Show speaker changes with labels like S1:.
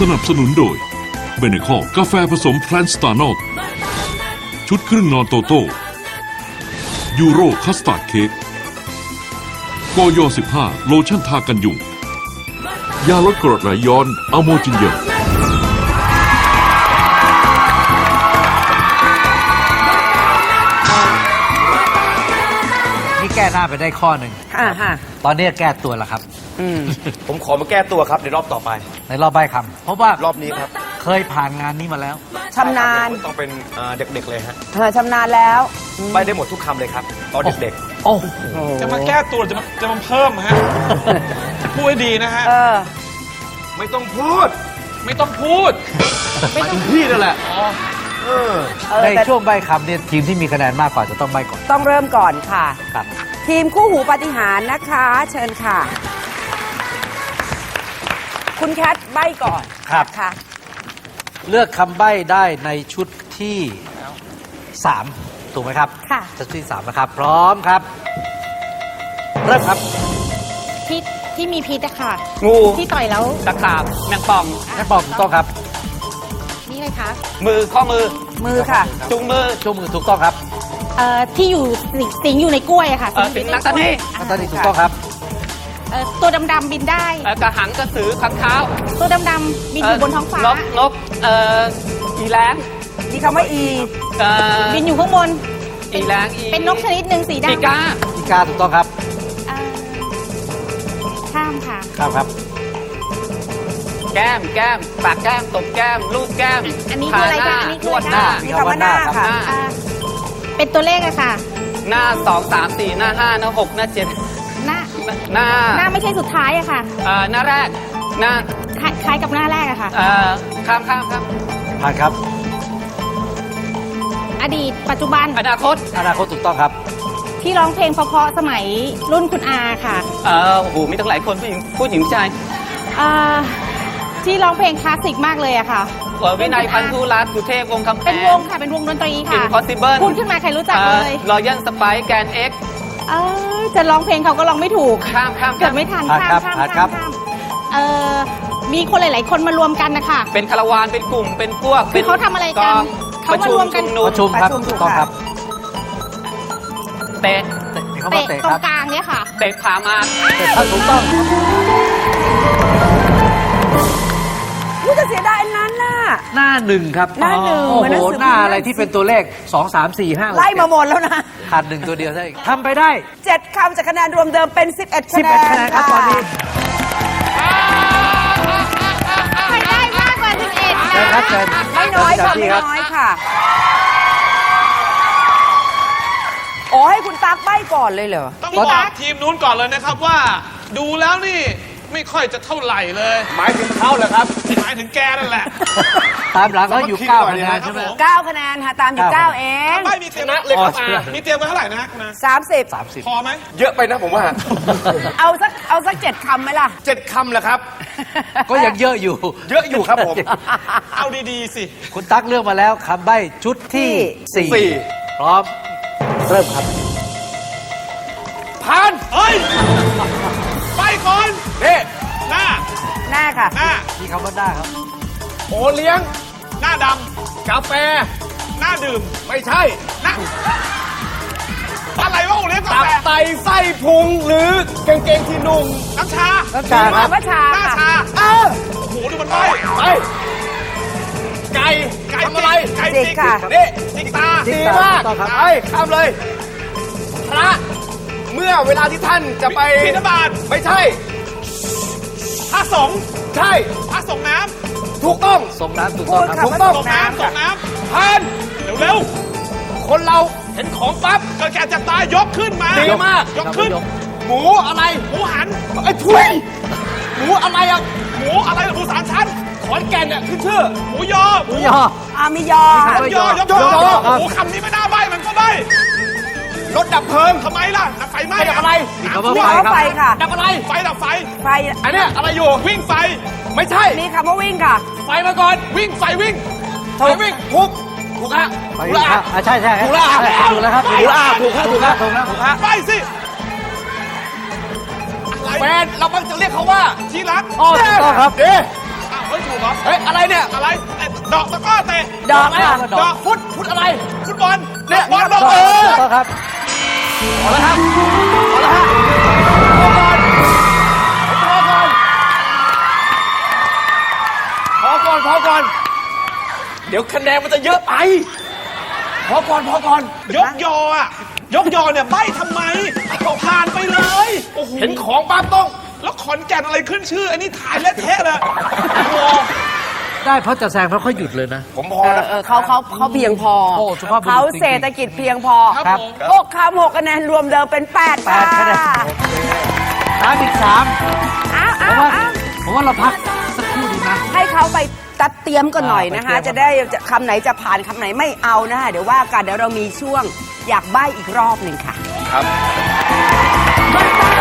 S1: นับสนุนโดยเบเนคอกาแฟผสมแพลนสตาร์นอลชุดครึ่งนอนโตโต้ยูโรคัสตาร์ดเค้กกย15โลชั่นทากันยุงยาลดกรดไหลย้อนอะโมจินเยล
S2: นี่แก้หน้าไปได้ข้อหนึ่งตอนนี้แก้ตัวแล้วครับ
S3: ผมขอมาแก้ตัวครับในรอบต่อไป
S2: ในรอบใบ้คำเพราะว่าร
S3: อบนี้ครับ
S2: เคยผ่านงานนี้มาแล้ว
S4: ชำนาญ
S3: ต้องเป็นเด็กๆเลยฮะ
S4: ชำนาญแล้ว
S3: ใบได้หมดทุกคำเลยครับตอนเด็ก
S2: โอ้โห
S5: จะมาแก้ตัวจะมาเพิ่มฮะ พูดให้ดีนะฮะ
S3: ๆ ไม่ต้องพูด
S5: ไม่ต้องพูด
S3: ไม่ต้องพี่นั่นแหละ
S2: ใน
S4: แต่
S2: ช่วงใบ้คำเนี่ยทีมที่มีคะแนนมากกว่าจะต้องใบ้ก่อน
S4: ต้องเริ่มก่อนค่ะ
S2: ครับ
S4: ทีมคู่หูปาฏิหาริย์นะคะ เชิญค่ะ คุณแคทใบ้ก่อน
S2: ครับ
S4: ค่ะ
S2: เลือกคำใบ้ได้ในชุดที่3ถูกไหมครับ
S6: ค่ะ
S2: ชุดที่3นะครับ พร้อมครับ เริ่มครับ
S6: พิษที่มีพิษอะค่ะ
S3: งู
S6: ที่ต่อยแล้ว
S3: ตะขาบแมงป่อง
S2: แม่ปองถูกต้องครับ
S6: นี่เลยคะ
S3: มือข้อมือ
S4: มือค่ะ
S3: จุงมือ
S2: ชูมือถูกต้องครับ
S6: ที่อยู่สิงอยู่ในกล้วยอะค่ะ
S3: สิงนักตะนี
S2: อันตอนนี้ถูกต้องครับ
S6: ตัวดำๆบินได้
S3: กระหังกระสือขังเท้า
S6: ตัวดำๆบินอยู่บนท้องฟ้า
S3: นกอีแรง
S4: มีคำว่าอี
S6: บินอยู่ข้างบน
S3: อีแรงอี
S6: เป็นนกชนิดหนึ่งสีดำ
S3: ปีกา
S2: อีกาถูกต้องครับ
S6: เอ่อข้ามค่ะ
S2: ครับครับ
S3: แก้มปากแก้มตบแก้มลูกแก้ม
S6: อันนี้คืออะไรคะอันนี้คือ
S3: วด
S6: อะไร
S3: หน้า
S4: มีคำว่าหน้าค่ะ
S6: อ่าเป็นตัวเลขอะค่ะ
S3: หน้า2 3 4หน้า5หน้า6หน้า7
S6: หน้า
S3: หน้า
S6: หน้าไม่ใช่สุดท้ายอะค่ะ
S3: หน้าแรกหน้า
S6: คล้ายกับหน้าแรกอะค่ะ
S3: ข้ามครับ
S2: ผ่านครับ
S6: อดีตปัจจุบัน
S3: อนาคต
S2: อนาคตถูกต้องครับ
S6: ที่ร้องเพลงเพราะๆสมัยรุ่นคุณอาค่ะ
S3: โอ้โหมีตั้งหลายคนผู้หญิงผู้ชาย
S6: อ่าที่ร้องเพลงคลาสสิกมากเลยอะค่ะ
S3: วินัยพันธุรัตน์สุเทพวงศ์คำแพ
S6: เป็น
S3: ง
S6: วงค่ะ เป็นวงดนตรีค่ะ
S3: Impossible
S6: พูดขึ้นมาใครรู้จักเลย
S3: รอยัลสไปแกนเอ็ก
S6: จะร้องเพลงเขาก็ร้องไม่ถูก
S3: ข้าม
S6: เกิดไม่ทัน
S2: ผ่านครับ
S6: ข้าม
S2: ผ่านครับ
S6: มีคนหลาย ๆ คนมารวมกันนะคะ
S3: เป็นคาราวานเป็นกลุ่มเป็นพวก
S6: คือเขาทำอะไรกัน เขามารวมกัน
S2: ประชุมครับ
S4: ประชุม
S2: ถูกต้องครับ
S3: เตะ
S2: มีคำว่า
S6: เตะ
S2: เตะ
S6: ตร
S2: ครั
S6: ง
S2: บ
S6: กลางเนี่ยค่ะ
S3: เตะขามา
S2: เตะครับถูกต้อง
S4: รู้จะเสียดายอันนั้นน่ะ
S2: หน้าหนึ่งครับ
S4: หน้าหนึ่ง
S2: โอ้
S4: เหมือนหนั
S2: โห
S4: งสือ
S2: หน้า
S4: พิมพ์
S2: อะไรที่เป็นตัวเลข 2 3 4 5
S4: ไล่มาหมดแล้วนะ
S2: ขาดหนึ่งตัวเดียวได้ทำไปได้
S4: 7 คำจากคะแนนรวมเดิมเป็น 11 คะแนน
S2: 11คะแนนครับตอนนี้
S6: ใครได้มากกว่า 11
S2: เชิญ
S6: นะครับ
S2: เชิญ
S4: ไม่น้อยค่ะ
S2: เชิญ
S4: ไม่
S2: ครับ
S4: น้อยค่ะ โอ้ให้คุณตั๊กใบ้ก่อนเลยเหรอ
S5: ต้องบอกทีมนู้นก่อนเลยนะครับว่า ดูแล้วนี่ไม่ค่อยจะเท่าไหร่เลย
S3: หมายถึงเขาเหรอครับ
S5: หมายถึงแกนั่นแหละ
S2: ตามหลังเขาอยู่9คะแนนใช่ไหม
S4: 9 คะแนนค่ะตามอยู่ 9 เอง
S5: ไม่มีเตรียม
S3: เลยครับ
S5: มีเตรียมไว้เท่าไหร่นะฮะคุณอา
S4: 30
S2: 30
S5: พอไหม
S3: เยอะไปนะผมว่า
S4: เอาสัก 7 คำไหมล่ะ
S3: 7 คำเหรอครับ
S2: ก็ยังเยอะอยู่
S3: เยอะอยู่ครับผม
S5: เอาดีๆสิ
S2: คุณตั๊กเลือกมาแล้วคำใบ้ชุดที่
S3: สี่
S2: 4 พร้อม เริ่มครับ
S3: ผ่าน
S5: เฮ้ย ไปก่อน
S3: เน่
S5: หน้า
S4: หน้าค่ะ
S5: หน้า
S2: มีคำว่าหน้าครับ
S3: โอเลี้ยง
S5: หน้าด
S3: กาแฟ
S5: ำ หน้าดื่ม
S3: ไม่ใช่
S5: หน้า อะไรวะโอเลี้ยงกา
S3: ตับ
S5: แฟ
S3: ไตไส้พุงหรือกางเกงที่นุ่ง
S5: น้ำชา
S2: น้ำชาครับ
S4: ว่าชา
S5: หน้า
S4: ค่ะ
S5: ชาโอ้โห ดูมันไป
S3: ไป ไก่ทำอะไร
S5: ไก่
S4: จิกค่ะ
S3: นี่
S5: จิกตา
S3: ดีมาก
S2: ต่อครับ
S3: ไปข้ามเลย พระ เมื่อเวลาที่ท่านจะไป
S5: บิณฑบาต
S3: ไม่ใช่
S5: พระสงฆ์
S3: ใช่
S5: พระสงฆ์น้
S3: ถูกต้อง
S2: ส่งน้ำถูกต้องครับ
S4: พู
S3: ถู
S4: ด
S3: ก
S4: ค่ะ
S3: ต้อง
S5: ำส่งน้ำส่งน้
S3: ผ่าน
S5: ำเร็ว
S3: คนเราเห็นของปั๊บ
S5: ๆก็แค่จะตายยกขึ้นมา
S3: ดีมาก
S5: ยกขึ้น
S3: หมูอะไร
S5: หมูหัน
S3: ไอ้ทุยหมูอะไรอ่ะ
S5: หมูอะไรล่ะหมูสามชั้น
S3: ขอนแก่นเนี่ยขึ้นชื่อ
S5: หมูยอ
S2: หมูยอ
S4: มียอค่ะ
S5: ยอยก
S3: ยอ
S5: โอ้โหคำนี้ไม่น่าใบมันก็ใบ
S3: รถดับเพลิง
S5: ทำไมล่ะดับไฟไหม้
S3: ไม่ดับอะไร
S2: มีคำว่า
S4: มี
S2: ไฟ
S4: คำว่า
S2: ครับ
S4: ไฟค่ะ
S3: ดับอะไร
S5: ไฟดับไฟ
S4: ไฟ
S3: อันเนี้ยอะไรอยู่
S5: วิ่งไฟ
S3: ไม่ใช่
S4: มีคำว่าวิ่งค่ะ
S3: ไฟมาก่อน
S5: วิ่งไฟวิ่ง
S3: ไฟวิ่งถูกถูกฮะ
S2: ไฟ
S3: ถูก
S2: ครั
S3: ละ
S2: บใช่ใช่
S3: ถูกแล้ว
S2: ถูกแล้วครับ
S3: ถูกแล้วถูกแล้วถูกแล้ว
S2: ถูกแล้ว
S3: ถูกแล้ว
S5: ไปสิอะไร
S3: แฟนเรามักจะเรียกเขาว่า
S5: ที่รัก
S2: อ๋อถูกต้องครับ
S3: เอ๊ะ
S5: อ้าวเฮ้ยถูถูกเหรอ
S3: เฮ้ย อะไรเนี่ย
S5: อะไรไอ้ดอกตะกร้อเตะ
S4: ดอกค่ะ
S5: ดอกฟุตอะไรฟุตบอลเนี่ยบอลดอก
S2: ถูกครับ
S3: พอแล้วครับ พอแล้วฮะพอก่อน เดี๋ยวคะแนนมันจะเยอะไป พอก่อน
S5: ยกยออ่ะยกยอเนี่ยใบ้ทำไมผ่านไปเลยโอ้โห
S3: เห็นของปั๊บต้อง
S5: แล้วขอนแก่นอะไรขึ้นชื่ออันนี้ถ่ายเละเทะเลยโอ้โห
S2: ได้เพราะจะแซงเพราะเขาหยุดเลยนะ
S3: ผมพอแล้ว
S4: เขาเพียงพอ
S2: โอ้สุภาพบุรุษ
S4: เขา
S2: จริงๆ
S4: เศรษฐกิจเพียงพอ
S2: ครับ
S4: 6 คำ 6 คะแนนรวมเดิมเป็น 8 ค่ะ
S2: 8 คะแนนถามอีก
S4: อ้าว
S2: 3 เพราะว่าเราพักสักครู่ดีนะ
S4: ให้เขาไปตัดเตรียมกันหน่อยนะคะ
S2: ไปเตรียม
S4: จะได้คำไหนจะผ่านคำไหนไม่เอานะคะ เดี๋ยวว่ากันเดี๋ยวเรามีช่วงอยากใบ้อีกรอบหนึ่งค่ะ
S3: ครับ
S4: มาตา